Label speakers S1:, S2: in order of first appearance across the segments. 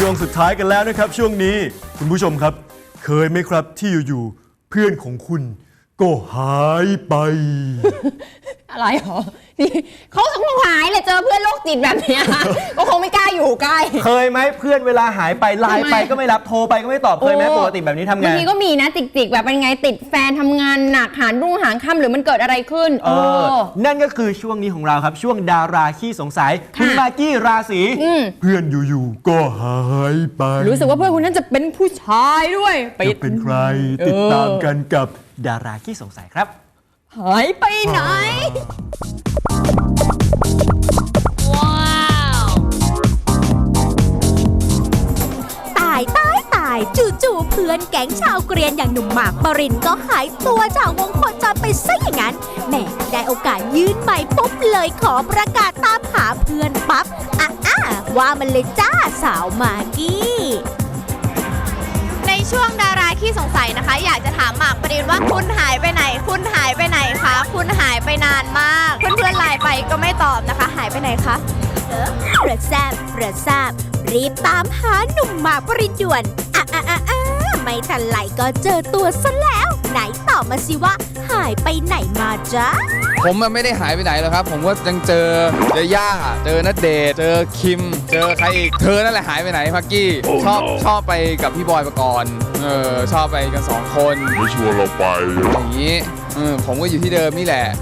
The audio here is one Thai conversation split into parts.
S1: วงสุดท้ายกันแล้วนะครับช่วงนี้คุณผู้ชมครับเคยไหมครับที่อยู่ๆเพื่อนของคุณก็หายไป
S2: อะไรหรอนี่เขาคงหายเลยเจอเพื่อนโรคจิตแบบเนี้ย ก็คงไม่กล้าอยู่ใกล้
S3: เคยไหมเพื่อนเวลาหายไปไลน์ไปก็ไม่รับโทรไปก็ไม่ตอบเคยไหมปกติแบบนี้ทำไง
S2: บางทีก็มีนะจิกๆแบบเป็นไงติดแฟนทำงานหนักหารุ่งหางค่ำหรือมันเกิดอะไรขึ้น
S3: นั่นก็คือช่วงนี้ของเราครับช่วงดาราขี้สงสัยคุณมากกี้ราศี
S1: เพื่อนอยู่ๆก็หายไป
S2: รู้สึกว่าเพื่อนคนนั้นจะเป็นผู้ชายด้วย
S1: จะเป็นใครติดตามกันกับ
S3: ดาราขี้สงสัยครับ
S2: หายไปไหน
S4: ตายจู่ๆเพื่อนแก๊งชาวเกรียนอย่างหนุ่มหมากปรินก็หายตัวจากวงโคจรไปซะอย่างนั้นแหมได้โอกาสยื่นไมค์ปุ๊บเลยขอประกาศตามหาเพื่อนปั๊บว่ามันเลยจ้าสาวมากกี้
S5: ในช่วงดาราขี้สงสัยนะคะอยากจะถามหมากปรินว่าคุณหายไปไหนคุณหายไปไหนคะคุณหายไปนานมากเพื่อนๆไลน์ไปก็ไม่ตอบนะคะหายไปไหนคะ
S4: ระแซบรีบตามหาหนุ่มหมากปรินด่วนไม่ทันไหลก็เจอตัวซะแล้วไหนตอบมาสิว่าหายไปไหนมาจ๊ะ
S6: ผมไม่ได้หายไปไหนหรอกครับผมก็ยังเจอย่าเจอณเดชน์เจอคิมเจอใครอีกเธอนั่นแหละหายไปไหนพักกี้ชอบไปกับพี่บอยปกรณ์ชอบไปกัน2 คน
S1: ไม่ชวนเราไป
S6: อย่างนี้ผมก็อยู่ที่เดิมนี่แหละ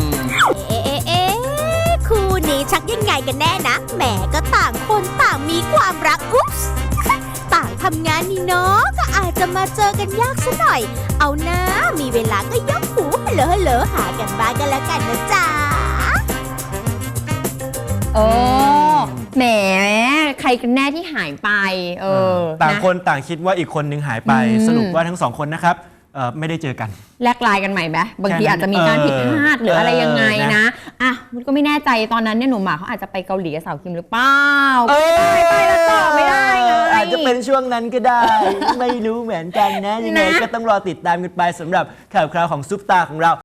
S4: คู่นี้ชักยังไงกันแน่นะแหมก็ต่างคนต่างมีความรักอุ๊บต่างทำงานนี่เนาะก็อาจจะมาเจอกันยากซะหน่อยเอานะมีเวลาก็ยกหูฮัลโหลหากันบ้างกันแล้วกันนะจ๊ะ
S2: แหมใครกันแน่ที่หายไป
S3: ต่างคนต่างคิดว่าอีกคนนึงหายไปสรุปว่าทั้ง2 คนนะครับไม่ได้เจอกัน
S2: แลกไลน์กันใหม่ไหมบางทีอาจจะมีการผิดพลาดหรืออะไรยังไงนะมันก็ไม่แน่ใจตอนนั้นเนี่ยหนุ่มหมากเขาอาจจะไปเกาหลีกับสาวคิมหรือเปล่าไปแล้วตอบไม่ได้
S3: อาจจะเป็นช่วงนั้นก็ได้ ไม่รู้เหมือนกันนะยังไงก็ต้องรอติดตามกันไปสำหรับข่าวคราวของซุปตาของเรา